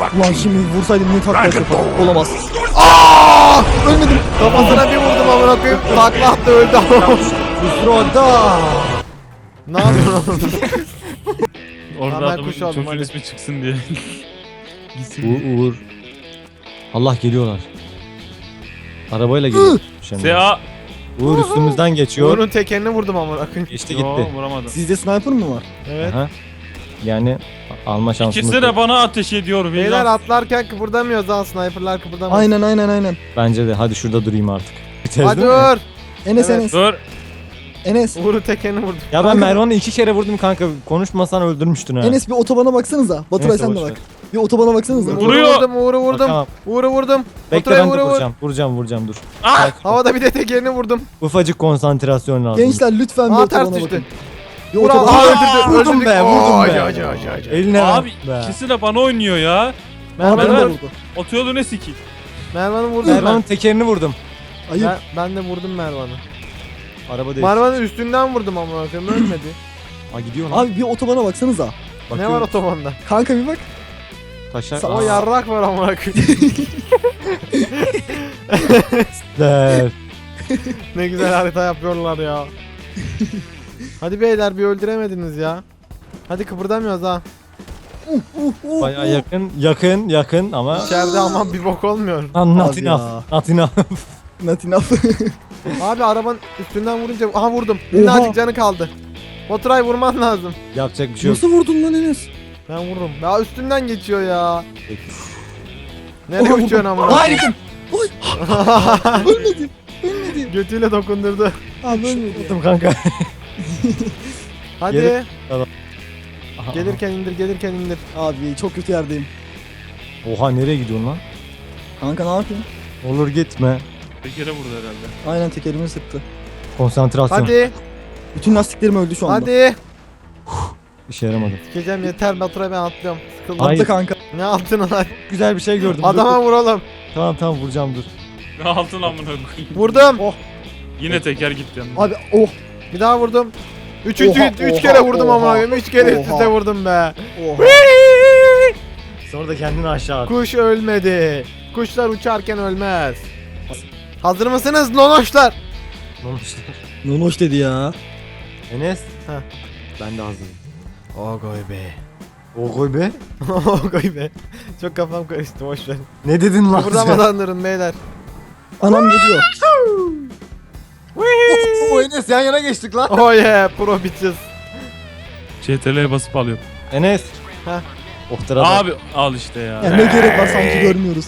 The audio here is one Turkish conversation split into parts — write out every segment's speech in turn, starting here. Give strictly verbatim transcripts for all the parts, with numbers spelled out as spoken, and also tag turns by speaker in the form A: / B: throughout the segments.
A: Ulan şimdi vursaydım ne takla yapardım. Olamaz. Aaaa! Ölmedim.
B: Kafasına bir vurdum amına koyayım. Takla attı öldü ama.
A: Fusroda.
B: Ne yapıyorsun oğlum?
C: Orada
B: Hemen
C: adamın
B: kuş aldım,
C: çocuğun
B: hadi.
C: ismi çıksın diye. Gitsin diye.
D: Uğur, Uğur. Allah geliyorlar. Arabayla geliyor.
C: Sea.
D: Uğur üstümüzden geçiyor.
B: Uğur'un tekerini vurdum amına koyayım.
D: Geçti
C: Yo,
D: gitti.
C: vuramadım.
A: Sizde sniper mı var?
B: Evet.
D: Aha. Yani alma şansımız
C: İkisi de
D: yok.
C: bana ateş ediyor.
B: Beyler
C: Vicdan.
B: atlarken kıpırdamıyoruz ha, sniperlar kıpırdamıyor.
A: Aynen aynen aynen.
D: Bence de. Hadi şurada durayım artık. Biteriz
B: Hadi
D: değil mi?
B: Uğur.
A: Enes
B: Evet.
A: Enes.
C: Dur.
A: Enes.
B: Uğur'un tekerini vurdum.
D: Ya ben Mervan'ı iki kere vurdum kanka. Konuşmasan öldürmüştün ha.
A: Enes bir otobana baksanıza. Baturay
D: Neyse,
A: sen de
D: boş
A: bak.
D: ver.
A: Bir otobana baksanıza.
B: Uğur'u
C: Vuruyor.
B: vurdum, Uğur'u vurdum.
D: Bakamam.
B: Uğur'u vurdum.
D: Bekle
B: Baturay'a
D: ben de
B: Uğur'u vur.
D: vuracağım. Vuracağım vuracağım dur.
C: Ah!
B: Havada bir de tekerini vurdum.
D: Ufacık konsantrasyon lazım.
A: Gençler lütfen bir
B: Aa ters
A: otobana
B: düştü.
A: bakın. Bir
B: Uğur
A: otobana
B: aa,
A: bakın.
B: öldürdü.
D: Vurdum
B: öldürdük.
D: be, vurdum
B: Oo,
D: be.
B: acı, acı, acı, acı.
D: Eline
C: Abi
D: ver.
C: ikisi de bana oynuyor ya.
A: Aa, beni de
C: Mervan.
A: vurdu.
C: Otoyolu ne sikeyim?
B: Mervan'ı vurdum
D: Mervan'ın
B: ben.
D: tekerini vurdum.
A: Ayıp.
B: ben. Ben de vurdum Mervan'ı.
D: Araba değil.
B: Mervan'ın üstünden vurdum ama koyayım ölmedi.
D: Aa gidiyor lan.
A: Abi bir otobana baksanıza.
B: Ne var otobanda?
A: Kanka bir bak.
D: Taşlar.
B: O
D: Aa,
B: yarrak var ama koyayım.
D: der.
B: Ne güzel harita yapıyorlar ya. Hadi beyler bir öldüremediniz ya. Hadi kıpırdamıyoruz ha.
A: Uh, uh, uh,
D: Bayağı
A: uh.
D: yakın, yakın, yakın ama
B: İçeride aman bir bok olmuyor.
D: not
A: Abi
D: enough.
A: ya.
D: Not enough.
A: Not enough.
B: Abi arabanın üstünden vurunca aha vurdum. Minnacık canı kaldı. Baturay vurman lazım.
D: Yapacak bir şey yok.
A: Nasıl vurdun lan Enes?
B: Ben vururum. Ya üstünden geçiyor ya.
D: Peki.
B: Nereye
A: Oha,
B: uçuyorsun
A: vurdum.
B: ama?
A: Hayır. Oy. Ölmedim. Ölmedim.
B: Götüyle dokundurdu.
A: Abi ölmedim.
D: Vurdum kanka.
B: Hadi.
D: Geri- Aha,
B: Gelirken indir, gelirken indir.
A: Abi çok kötü yerdeyim.
D: Oha nereye gidiyorsun lan?
A: Kanka ne yapayım?
D: Olur gitme.
C: Bir kere vurdu herhalde.
A: Aynen tekerimi sıktı.
D: Konsantrasyon.
B: Hadi.
A: Bütün lastiklerim öldü şu anda.
B: Hadi.
D: İşe yaramadı.
B: Sikeceğim yeter Baturay, ben atlıyorum. Sıkıldım.
D: Hayır.
A: Atla kanka.
B: Ne attın lan?
D: Güzel bir şey gördüm. Dur,
B: Adama
D: dur.
B: vuralım.
D: Tamam tamam vuracağım dur.
C: Ne altın amına koyayım.
B: Vurdum.
C: Yine teker gitti yanına.
A: Abi oh.
B: Bir daha vurdum. Üçüncü,
A: Oha,
B: üç
A: oha,
B: kere vurdum
A: oha,
B: ama koyayım. Üç kere üst üste
A: oha.
B: vurdum be.
A: Oha.
D: Sonra da kendini aşağı at.
B: Kuş ölmedi. Kuşlar uçarken ölmez. Hazır mısınız nonoşlar?
D: Olmuşlar.
A: Nonoş dedi ya.
D: Enes.
B: Heh.
D: Ben de hazırım.
B: Ogoy be.
D: O koy be.
B: Ogoy be. Çok kafam karıştı, boş ver.
D: Ne dedin lan sen?
B: Kıpırdamadan durun beyler.
A: Anam geliyor.
D: O Enes yan yana geçtik lan.
B: Oh yeah, pro bitches.
C: C T R'ye basıp alıyorum.
D: Enes.
B: Heh.
D: Oh tarafa.
C: Abi al işte ya.
A: Ya ne gerek var sanki görmüyoruz.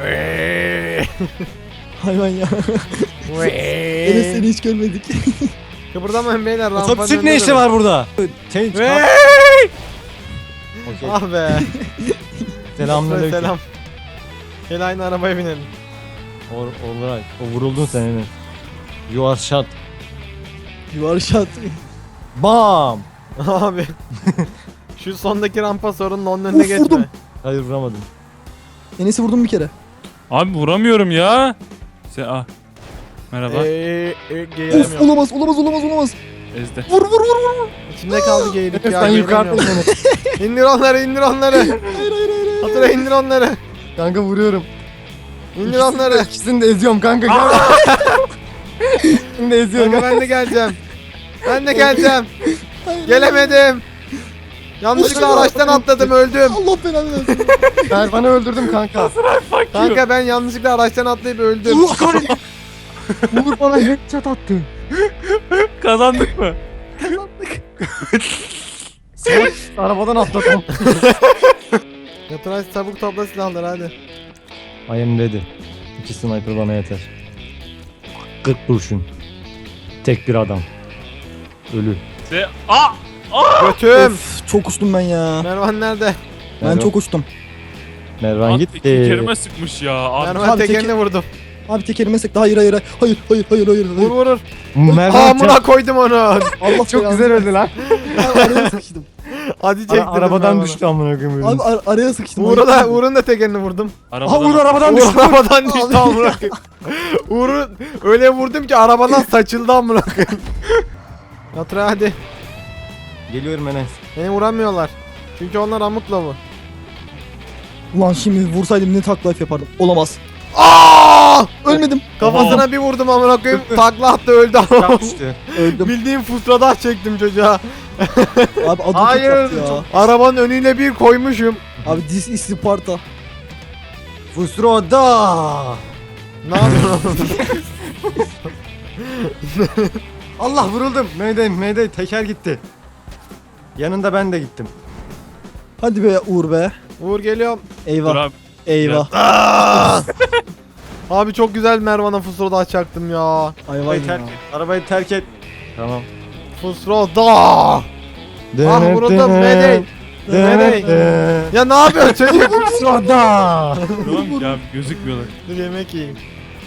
A: Hayvan ya. Enes seni hiç görmedik.
B: Kıpırdamayın beyler, rampanın
D: Otobüsün
B: önünde
D: ne işi
B: durun.
D: var burada? Change.
B: Wey!
D: Okey.
B: Ah be.
D: Selamünaleyküm.
B: Selam. Gel aynı arabaya binelim.
D: Or, alright. O vuruldun sen Enes. You are shot.
A: You are shot.
D: Bam.
B: Abi. Şu sondaki rampa sorunun onun önüne
A: Of,
B: geçme.
A: vurdum.
D: Hayır vuramadım.
A: Enes'i vurdum bir kere.
C: Abi vuramıyorum ya. Sen ah. Merhaba.
B: Eee, e,
A: Of
B: geğiremiyorum.
A: olamaz olamaz olamaz olamaz.
C: Ezde.
A: Vur vur vur vur.
B: İçimde kaldı geğirlik
D: Enes
B: ya.
D: sen yukarıda
B: geğiremiyorum.
D: Enes.
B: İndir onları, indir onları.
A: Hayır hayır hayır.
B: Hatıra indir onları.
D: Kanka vuruyorum.
B: İndir onları.
D: İkisini de eziyorum kanka. Gel. İkisini de eziyorum.
B: Kanka ben de geleceğim. Ben de geleceğim. Gelemedim. Yanlışlıkla araçtan atladım, öldüm.
A: Allah belanı versin.
D: Ben bana öldürdüm kanka.
B: Kanka ben yanlışlıkla araçtan atlayıp öldüm.
D: Allah kahretsin. Uğur bana headshot attı.
C: Kazandık mı?
D: Salak, arabadan atladım.
B: Yaturay çabuk topla silahları hadi.
D: I am ready. İki sniper bana yeter. kırk kurşun. Tek bir adam. Ölü.
C: Se ah!
B: Götüm.
A: Of, çok uçtum ben ya.
B: Mervan nerede?
A: Ben
D: Mervan-
A: çok uçtum.
D: Mervan
C: Abi
D: gitti.
C: iki kerime sıkmış ya. Abi.
B: Mervan
A: abi,
B: tekerine
A: teker-
B: vurdum.
A: Abi tekerime sekti. Hayır hayır hayır. Hayır hayır hayır hayır.
B: Vur
A: hayır.
B: vurur.
D: Mervan
B: Amına koydum onu.
A: Allah
D: çok güzel öldü lan.
A: Ben araya sıkıştım.
B: Hadi
D: Ara-
B: çektirdim.
D: arabadan
B: Mervan'ı.
D: düştü amına koyayım.
A: Abi ar- araya sıkıştım.
B: Uğur'u da, Uğur'un da tekerini vurdum.
D: Ha
C: Arabadan
D: Uğur arabadan
B: Uğur
D: düştü.
B: arabadan düştü amına koyayım. Uğur'u öyle vurdum ki arabadan saçıldı amına koyayım. Yaturay hadi.
D: Geliyorum Enes.
B: Beni vuramıyorlar. Çünkü onlar amutla bu.
A: Ulan şimdi vursaydım ne takla life yapardım. Olamaz. Aa! Ölmedim.
B: Kafasına bir vurdum amına koyayım. Takla attı öldü ama.
D: Yapmıştı.
A: Öldüm.
B: Bildiğim fusradah çektim çocuğa.
A: Abi adı
B: Hayır.
A: çok ya.
B: Arabanın önüne bir koymuşum.
A: Abi this is Sparta.
D: Fusroda.
B: Ne yapıyorsun?
D: Allah vuruldum. Mayday mayday teker gitti. Yanında ben de gittim.
A: Hadi be Uğur be.
B: Uğur geliyorum.
C: Dur
A: Eyvah.
C: abi.
A: Eyvah.
B: Abi çok güzel Mervan'a fusradah çaktım ya.
A: Ay vay
D: Arabayı
A: ya.
D: terk et. Arabayı terk et. Tamam.
B: Fusradah. Ah vuruldum Mayday. Mayday. Ya ne yapıyorsun çocuk?
D: Fusroda.
C: Tamam ya gözükmüyorlar.
B: Dur yemek yiyeyim.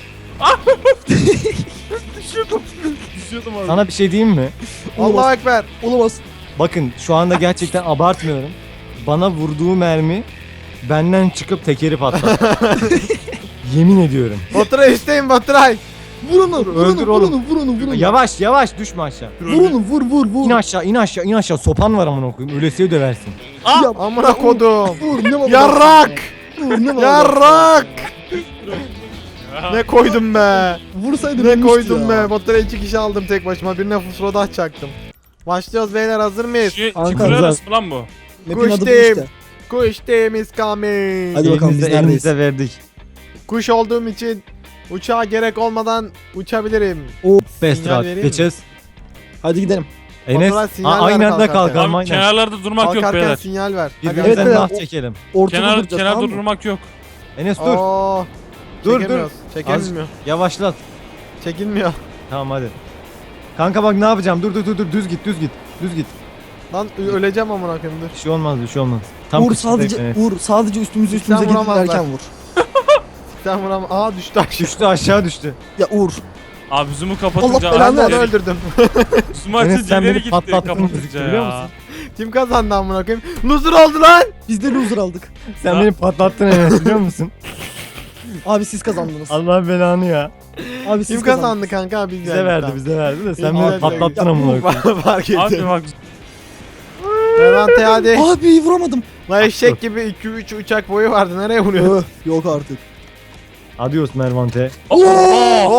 C: Düşüyordum. Düşüyordum abi.
D: Sana bir şey diyeyim mi?
B: Allahu Ekber.
A: Olamaz.
D: Bakın şu anda gerçekten abartmıyorum. Bana vurduğu mermi benden çıkıp tekeri patlattı. Yemin ediyorum.
B: Baturay üstteyim Baturay.
A: Vur onu. Vur onu.
D: Öldür
A: Vur
D: oğlum.
A: onu. Vur onu. Vur onu.
D: Yavaş yavaş düşme aşağı.
A: Vur onu. Vur vur vur.
D: İn aşağı in aşağı in aşağı. Sopan var amına koyayım. Ölesiye döversin.
A: Ya,
B: Amına kodum.
A: Vur ne var?
B: Yarrak.
A: Vur ne var?
B: Yarrak. Ne koydum be.
A: Vursaydım
B: Ne
A: ölmüştü
B: koydum
A: ya.
B: be. Baturay iki kişi aldım tek başıma. Birine fusrodah çaktım. Başlıyoruz beyler, hazır mıyız?
C: Şu
A: Kanka,
C: çiftler
A: güzel.
C: arası mı lan bu?
A: Map'in adı bu
B: Kuş
A: işte.
B: Kuş temiz coming.
A: Hadi bakalım, biz
D: Elimize,
A: neredeyiz?
D: elimize verdik.
B: Kuş olduğum için uçağa gerek olmadan uçabilirim.
A: O.
D: Best
B: Sinyal
D: route.
B: vereyim mi?
D: Geçeceğiz.
A: Hadi gidelim.
D: Enes
B: Baturay sinyal
D: ha,
B: ver
D: aynı anda
B: kalkarken.
D: kalkalım
C: Tamam,
D: aynen.
C: kenarlarda durmak yok
B: Kalkarken
C: beyler.
B: sinyal ver. Hadi.
D: Birbirimizden
A: Evet,
D: nah
A: evet.
D: çekelim.
A: Ortada
C: Kenar,
A: duracağız,
C: kenarda
A: tamam mı?
C: durmak yok.
D: Enes dur.
B: Oo,
D: Dur, dur.
B: çekemiyoruz. Çekilmiyor.
D: Yavaşlat.
B: Çekilmiyor.
D: Tamam hadi. Kanka bak ne yapacağım? Dur dur dur dur düz git düz git. Düz git.
B: Lan ö- öleceğim amına koyayım dur.
D: Bir şey olmaz bir şey olmaz. Tam
A: Uğur
D: kıçındayım
A: sadece
D: Enes.
A: Uğur sadece üstümüze üstümüze
B: Sen
A: gidip
B: vuramazlar.
A: erken vur.
B: Sen vuram. Aa düştü aşağı.
D: Düştü aşağı düştü.
A: Ya Uğur.
C: Abi zoom'u
A: Allah
C: kapatınca
A: belanı
B: Ben
C: abi
B: de onu
A: versin.
B: öldürdüm.
C: zoom
D: Enes,
C: açınca
D: sen
C: ileri
D: beni
C: gitti
D: patlattın
C: kapatınca
D: gözüktü, biliyor
C: ya.
D: musun?
B: Kim kazandı amına koyayım? Loser oldu lan.
A: Biz de loser aldık.
D: Sen
C: Ya.
D: beni patlattın Enes biliyor musun?
A: Abi siz kazandınız.
D: Allah belanı ya.
A: Abi siz
B: Kim
A: kazandınız.
B: kazandı kanka? Biz
D: Bize
B: yani,
D: verdi
B: tamam.
D: bize verdi de sen
B: İyi,
D: beni
B: hadi.
D: patlattın
B: Ya,
D: amına koyayım.
B: Fark ettim.
C: Abi bak
B: Levante hadi.
A: Abi vuramadım.
B: La eşek gibi iki üç uçak boyu vardı. Nereye vuruyorsun?
A: Öh, yok artık.
D: Adios Mervante.
C: Oha!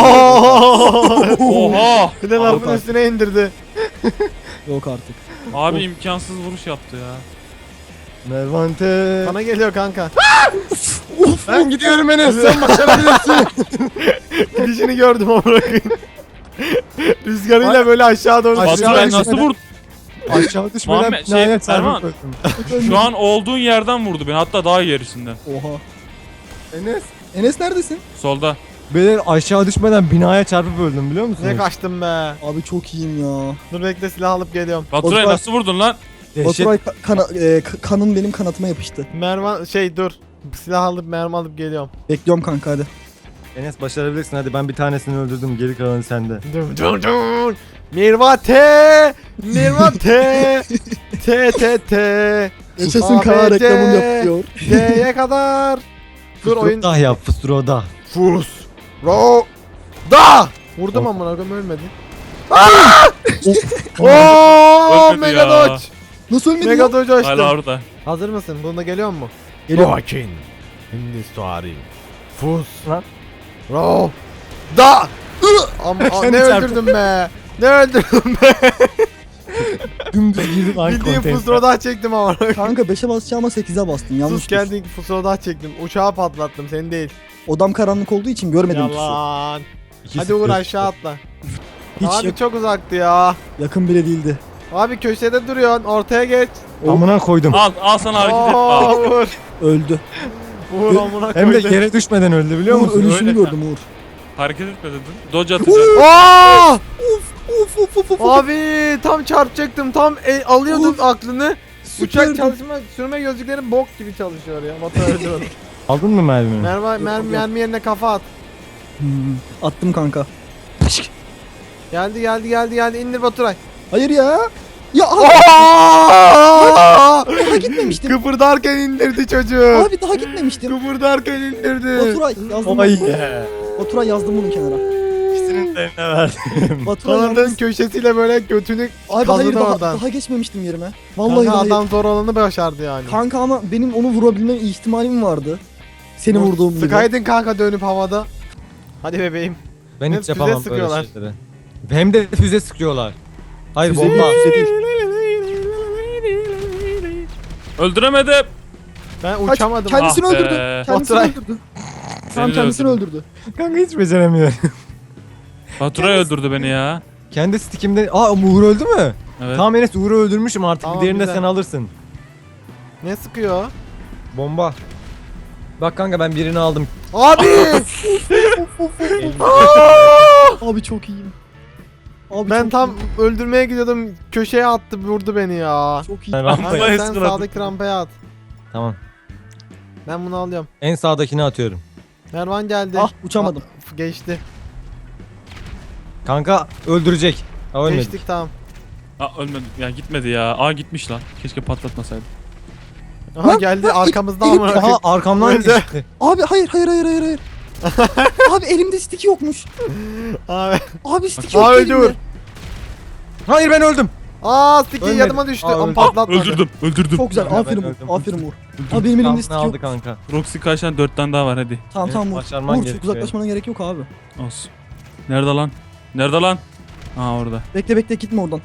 B: Oho!
C: Oha!
B: Bir de lafın üstüne indirdi.
A: Yok artık.
C: Abi imkansız vuruş yaptı ya.
D: Mervante.
B: Bana geliyor kanka.
D: Ben gidiyorum Enes sen başarabilirsin.
B: Gidişini gördüm amına koyayım. Rüzgarıyla böyle aşağı doğru
D: Aşağı
B: sürüyor.
C: Baturay
D: düşmeden-
C: nasıl vurdu?
D: Aşağı düşmeden
C: Muhammed, şey,
D: binaya
C: Erman.
D: çarpıp öldüm.
C: Şu an olduğun yerden vurdu beni, hatta daha gerisinden.
A: Oha.
D: Enes.
A: Enes neredesin?
C: Solda.
D: Beyler aşağı düşmeden binaya çarpıp öldüm biliyor musunuz?
B: Ne kaçtım be.
A: Abi çok iyiyim ya.
B: Dur bekle, silah alıp geliyorum.
C: Baturay
A: Baturay-
C: nasıl vurdun lan?
D: Dehşet.
A: Baturay ka- kana- e, ka- kanın benim kanatıma yapıştı.
B: Mervan şey dur. Silah alıp mermi alıp geliyorum.
A: Bekliyorum kanka hadi.
D: Enes başarabilirsin hadi ben bir tanesini öldürdüm geri kalanı sende.
B: Dur dur dur. Mirvate! Mirvate! T T T!
A: Yaşasın
B: A B
A: Kaan
B: C.
A: reklamım yapıyor.
B: D'ye kadar. Dur oyun.
D: Fıstıroda yap fıstıroda.
B: Fus. Ro. Da! Vurdum
D: Yok.
B: amına koyayım, ölmedi. Aaaa! Ooo!
C: Ölmedi
B: Mega
C: ya.
B: dodge.
A: Nasıl ölmedin
B: Mega
A: lan?
B: dodge açtım.
C: Hala orada.
B: Hazır mısın? Bunda geliyor mu?
A: Geliyor.
B: Rokin. Hindistari. Fus.
D: Lan.
B: Ro. Da! Am a-
D: Seni
B: ne
D: çarptım.
B: öldürdüm be? Ne öldürdüm be?
D: Dümdüz girdim aynı
B: Bildiğin
D: konteyner.
B: fusroda çektim ama.
A: Kanka beşe basacağıma sekize bastın. Yanlış.
B: Sus, kendi fusroda çektim. Uçağı patlattım, seni değil.
A: Odam karanlık olduğu için görmedim pusu.
B: Yalan.
D: İki
B: Hadi
D: sıfır.
B: Uğur aşağı atla.
A: Hiç
B: Abi
A: yak-
B: çok uzaktı ya.
A: yakın bile değildi.
B: Abi köşede duruyorsun, ortaya geç.
D: Amına koydum.
C: Al al sana hareket et.
B: Oo,
C: Al.
B: Uğur.
A: Öldü.
B: Uğur amına
D: Hem de
B: koydu.
D: yere düşmeden öldü biliyor
A: Uğur
D: musun?
A: ölüşünü
C: Öyle.
A: gördüm Uğur.
C: Hareket etme dedin. Dodge atacağız.
B: Aa!
A: Uf uf uf uf.
B: Abi tam çarpacaktım, tam e, alıyordum
A: Uf.
B: aklını. Uçak
A: Süperdi.
B: çalışma, sürme gözlüklerim bok gibi çalışıyor ya. Motor öldü onu.
D: Aldın mı mermini?
B: Mermi, mermi, mermi yerine kafa at.
A: Hmm, attım kanka.
B: Geldi geldi geldi geldi, indir Baturay.
A: Hayır ya. Ya abi
B: Aa!
A: daha gitmemiştim.
B: Kıpırdarken indirdi çocuğu.
A: Abi daha gitmemiştim.
B: Kıpırdarken indirdi.
A: Oturay yazdım.
D: Ay.
A: Oturay yazdım bunu kenara.
D: İkisinin de eline verdim.
E: Baturay
B: Kanadın
E: yalnız.
B: köşesiyle böyle götünü
E: Abi hayır
B: kazıdı
E: daha,
B: oradan.
E: daha geçmemiştim yerime. Vallahi
B: Kanka
E: daha
B: adam zor olanı başardı yani.
E: Kanka ama benim onu vurabilme ihtimalim vardı. Seni vurduğum gibi.
B: Sıkaydın kanka dönüp havada. Hadi bebeğim.
D: Ben
B: Hep
D: hiç
B: füze
D: yapamam böyle
B: sıkıyorlar.
D: şeyleri. Hem de füze sıkıyorlar. Hayır
E: Füze
D: bomba.
E: değil, füze değil.
C: Öldüremedim.
B: Ben
E: Kaç,
B: uçamadım.
E: kendisini
C: Ah be.
E: öldürdü. Kendisini
B: Baturay.
E: öldürdü.
C: Beni
E: Tam
C: de
E: kendisini
C: öldürdü.
E: öldürdü.
D: Kanka hiç beceremiyorum.
C: Baturay öldürdü beni ya.
D: Kendi stickimde... Aa Uğur öldü mü?
C: Evet.
D: Tamam Enes Uğur'u öldürmüşüm artık.
B: Tamam,
D: Diğerini de
B: güzel.
D: sen alırsın.
B: Ne sıkıyor?
D: Bomba. Bak kanka ben birini aldım.
B: Abi!
E: Abi çok iyiyim. Abi
B: ben
E: çok
B: tam
E: iyiyim.
B: öldürmeye gidiyordum. Köşeye attı, vurdu beni ya.
E: Çok iyi.
D: Ben
B: Kanka
D: rampayı
B: sen
C: eskaladım.
B: sağdaki rampaya at.
D: Tamam.
B: Ben bunu alıyorum.
D: En sağdakini atıyorum.
B: Mervan geldi.
E: Ah uçamadım.
B: Ah, geçti.
D: Kanka öldürecek. Ha ölmedi.
B: Geçtik tamam.
C: Aa ölmedi. Ya gitmedi ya. Aa gitmiş lan. Keşke patlatmasaydım.
B: Aha
E: Lan,
B: geldi
E: lan,
B: arkamızda
E: elim-
B: ama.
D: Aha arkamdan
B: Öldü.
D: geçti.
E: Abi hayır hayır hayır hayır hayır. Abi elimde stick yokmuş.
B: Abi.
E: Abi stick
B: Aa,
E: yok
B: öldü
E: elimde.
B: Uğur.
D: Hayır ben öldüm.
B: Aa sticky
D: Ölmedi.
B: yanıma düştü.
D: Aa,
B: Ama
D: öldü.
B: patlatmadı.
C: Öldürdüm. Öldürdüm.
E: Çok güzel.
D: Kanka,
E: Aferin
D: ben
E: Uğur.
D: öldüm.
E: Aferin Uğur. Abi benim elimde
D: Kampını
E: stick
D: aldı
E: yok.
D: kanka.
C: Roxy kaçtan dört tane daha var hadi.
E: Tamam
D: Evet,
E: tamam Uğur.
D: başarman
E: Uğur çok
D: gerekiyor.
E: uzaklaşmana gerek yok abi.
C: Olsun. Nerede lan? Nerede lan? Aa orada.
E: Bekle bekle gitme oradan.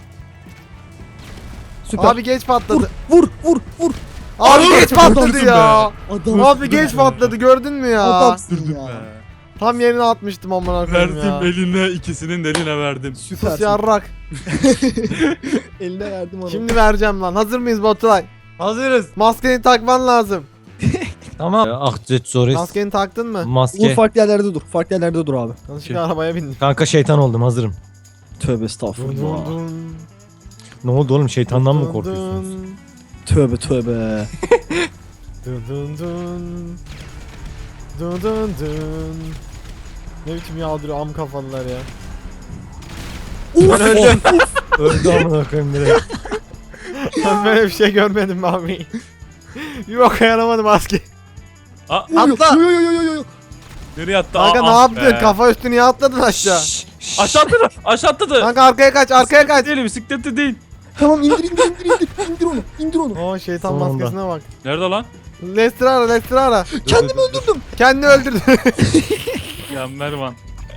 E: Süper.
B: Abi geç patladı.
E: Vur vur vur.
B: Abi geç patladı
C: Adamsın
B: ya.
E: Adam.
B: Abi geç patladı gördün mü ya?
E: Adamsın ya.
B: Tam yerine atmıştım amına koyayım ya.
C: Verdim eline, ikisinin de eline verdim.
B: Sus
E: Süpersin.
B: yarrak.
E: Eline verdim onu.
B: Şimdi vereceğim lan. Hazır mıyız Baturay?
D: Hazırız.
B: Maskeni takman lazım.
D: Tamam. Ah Jetsoris.
B: Maskeni taktın mı?
E: Uğur
D: Maske.
E: farklı yerlerde dur. Farklı yerlerde dur abi.
B: Yanlışlıkla arabaya bindim.
D: Kanka şeytan oldum hazırım.
E: Tövbe
B: Dun
E: estağfurullah.
B: dun dun.
D: Ne oldu oğlum şeytandan mı
B: Dun
D: korkuyorsunuz?
B: dun.
E: Tövbe tövbe.
B: Dun dun dun. Dun dun dun. Ne biçim yağdırıyor am kafalılar ya.
E: Uf,
B: Ben öldüm.
D: Öldü amına koyayım direkt.
B: Ben böyle bir şey görmedim abi. Bir boka yaramadı maske.
C: Aa,
B: Atla.
E: Yo yo yo yo yo.
C: nereye attı?
B: Kanka
C: Aa,
B: ne
C: ah
B: yaptın?
C: be.
B: Kafa üstü niye atladın aşağı?
C: Aşağı atladı. Aşağı atladı.
B: Kanka arkaya kaç, arkaya kaç.
C: Değil, bisiklette değil.
E: Tamam indir indir indir indir. İndir onu. İndir onu.
B: Oo şeytan
D: Sonunda.
B: maskesine bak.
C: Nerede lan?
B: Lester ara, Lester ara.
E: Kendimi öldürdüm.
B: Kendini öldürdü.
C: Ya Mervan.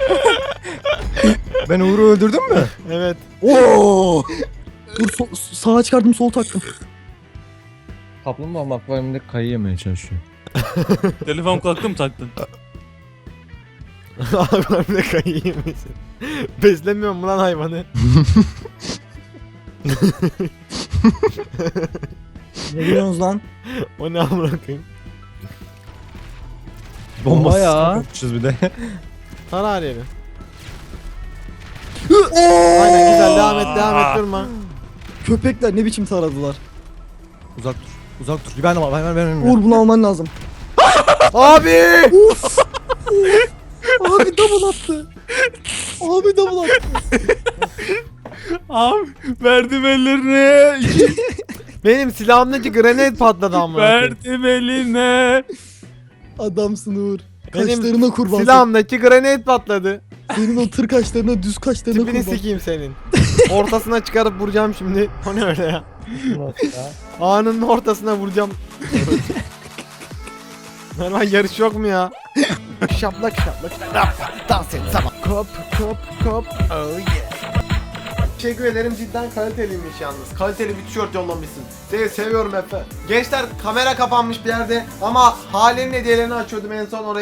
D: Ben Uğur'u öldürdüm mü?
B: Evet.
E: Oo. Dur sol, sağa çıkardım sol taktım.
D: Kaplumbağa akvaryumda kayı yemeye çalışıyor.
C: Telefon kulaklığı mı taktın?
B: Abi ne kayayım misin? Beslemiyor mu lan hayvanı?
E: Ne diyorsunuz lan?
B: O ne amına koyayım?
D: Bombası
E: ya.
D: yapmışız bir de.
B: Tara her yeri. Aynen güzel devam et devam et durma.
E: Köpekler ne biçim taradılar.
D: Uzak dur. Uzak dur. Ben de var. Ben ben ben.
E: Uğur bunu alman lazım.
B: Abi!
E: Uf. Abi double attı. Abi double attı.
C: Abi verdim ellerine.
B: Benim silahımdaki grenade patladı amına koyayım.
C: verdim eline.
E: Adamsın Uğur.
B: Benim
E: Kaşlarına kurban.
B: Silahımdaki grenade patladı.
E: Senin o tır kaşlarına düz kaşlarına
B: Tipini
E: kurban.
B: sikeyim senin. Ortasına çıkarıp vuracağım şimdi. O ne öyle ya? Anının ortasına vuracağım. Mervan yarış yok mu ya? Şaplak şaplak şaplak. Dans et sabah. Kop kop kop. Oh yeah. Teşekkür ederim cidden kaliteliymiş yalnız. Kaliteli bir tişört yollamışsın. Seni seviyorum Efe. Gençler kamera kapanmış bir yerde ama Hale'nin hediyelerini açıyordum en son oraya.